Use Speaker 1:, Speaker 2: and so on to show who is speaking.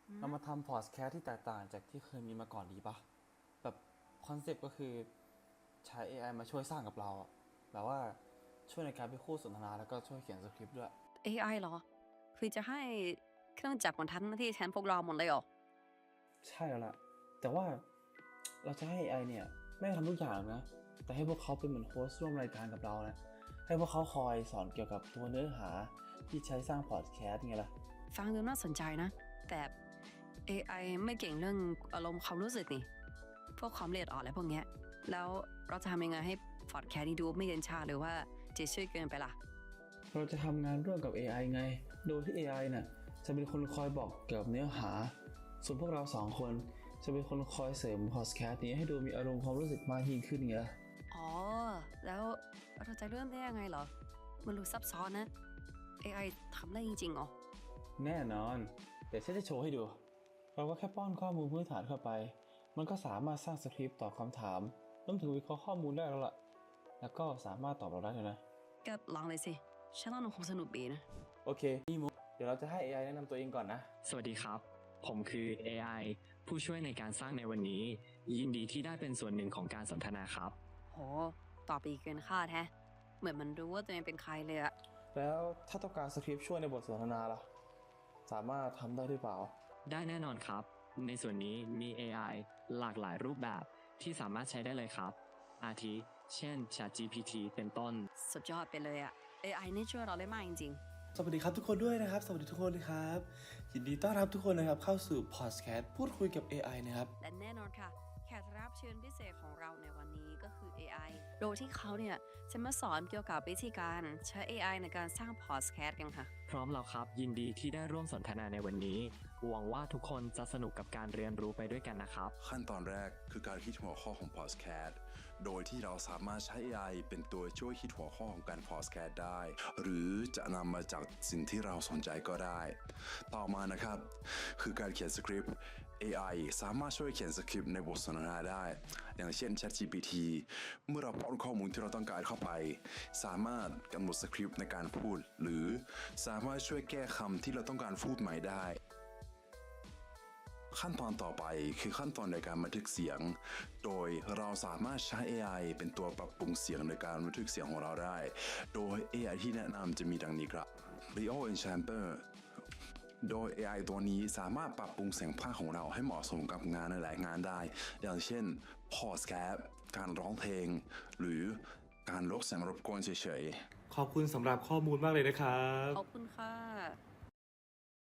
Speaker 1: เรามาทำพอดแคสต์ที่แตกต่างจากที่เคยมีมาก่อนดีปะแบบคอนเซ็ปต์ก็คือใช้ AI มาช่วยสร้างกับเราอะแบบว่าช่วยในการเป็นคู่สนทนาแล้วก็ช่วยเขียนสคริปต์ด้วย
Speaker 2: AI เหรอคือจะให้เครื่องจักรมันทำหน้าที่แทนพวกเราหมดเลยเหรอ
Speaker 1: ใช่แล้วล่ะแต่ว่าเราจะให้ AI เนี่ยไม่ทำทุกอย่างนะแต่ให้พวกเขาเป็นเหมือนโฮสต์ร่วมรายการกับเรานะให้พวกเขาคอยสอนเกี่ยวกับตัวเนื้อหาที่ใช้สร้างพอดแคสต์ไงล่ะ
Speaker 2: ฟังดูน่าสนใจนะแต่ AI ไม่เก่งเรื่องอารมณ์ความรู้สึกนี่พวกความละเอียดอ่อนอะไรพวกเนี้ยแล้วเราจะทำยังไงให้พอดแคสต์นี้ดูไม่เย็นชาหรือว่าจะช่วยเกินไปล่ะ
Speaker 1: เราจะทำงานร่วมกับ AI ไง โดยที่ AI น่ะจะเป็นคนคอยบอกเกี่ยวกับเนื้อหา ส่วนพวกเราสองคนจะเป็นคนคอยเสริมพอดแคสต์นี้ให้ดูมีอารมณ์ความรู้สึกมากยิ่งขึ้นไงล่ะ
Speaker 2: อ๋อแล้วเราจะเริ่มได้ยังไงเหรอมันดูซับซ้อนนะ AI ทำได้จริงๆเหรอ
Speaker 1: แน่นอน เดี๋ยวฉันจะโชว์ให้ดู เราก็แค่ป้อนข้อมูลพื้นฐานเข้าไป มันก็สามารถสร้างสคริปต์ตอบคำถามรวมถึงวิเคราะห์ข้อมูลได้แล้วล่ะ แล้วก็สามารถตอบเราได้เลยนะ
Speaker 2: ก็ลองเลยสิฉันว่ามันคงสนุกดีนะ
Speaker 1: โอเคนี่มุกเดี๋ยวเราจะให้ AI แนะนำตัวเองก่อนนะ
Speaker 3: สวัสดีครับ ผมคือ AI ผู้ช่วยในการสร้างในวันนี้ ยินดีที่ได้เป็นส่วนหนึ่งของการสนทนาครับ
Speaker 2: โหตอบดีเกินคาดแฮะเหมือนมันรู้ว่าตัวเองเป็นใครเลยอะ
Speaker 1: แล้วถ้าต้องการสคริปต์ช่วยในบทสนทนาล่ะ สามารถทำได้หรือเปล่า
Speaker 3: ได้แน่นอนครับ ในส่วนนี้มี AI หลากหลายรูปแบบที่สามารถใช้ได้เลยครับ อาทิเช่น ChatGPT เป็นต้น
Speaker 2: สุดยอดไปเลยอะ AI นี่ช่วยเราได้มากจริง
Speaker 4: สวัสดีครับทุกคนด้วยนะครับสวัสดีทุกคนนะครับ ยินดีต้อนรับทุกคนนะครับเข้าสู่พอดแคสต์พูดคุยกับ AI นะครับ
Speaker 2: ๆ และแน่นอนค่ะแขกรับเชิญพิเศษของเราในวันนี้ก็คือ AI โดยที่เขาเนี่ยจะมาสอนเกี่ยวกับวิธีการใช้ AI ในการสร้างพอดแคสต์กันค่ะ
Speaker 3: พร้อมแล้วครับ ยินดีที่ได้ร่วมสนทนาในวันนี้ หวังว่าทุกคนจะสนุกกับการเรียนรู้ไปด้วยกันนะครับ
Speaker 5: ขั้นตอนแรกคือการคิดหัวข้อของพอดแคสต์โดยที่เราสามารถใช้ AI เป็นตัวช่วยคิดหัวข้อของการพอดแคสต์ได้ หรือจะนำมาจากสิ่งที่เราสนใจก็ได้ ต่อมานะครับ คือการเขียนสคริปต์ AI สามารถช่วยเขียนสคริปต์ในบทสนทนาได้ อย่างเช่น ChatGPT เมื่อเราป้อนข้อมูลที่เราต้องการเข้าไป สามารถกำหนดสคริปต์ในการพูด หรือสามารถช่วยแก้คำที่เราต้องการพูดใหม่ได้ ขั้นตอนต่อไปคือขั้นตอนในการบันทึกเสียง โดยเราสามารถใช้ AI เป็นตัวปรับปรุงเสียงในการบันทึกเสียงของเราได้ โดย AI ที่แนะนำจะมีดังนี้ครับ Rio Enchanter โดย AI ตัวนี้สามารถปรับปรุงเสียงภาคของเราให้เหมาะสมกับงานในหลายงานได้ อย่างเช่นพอดแคสต์การร้องเพลง หรือการลดเสียงรบกวนเฉยๆ
Speaker 4: ขอบคุณสำหรับข้อมูลมากเลยนะครับ
Speaker 2: ขอบคุณค่ะ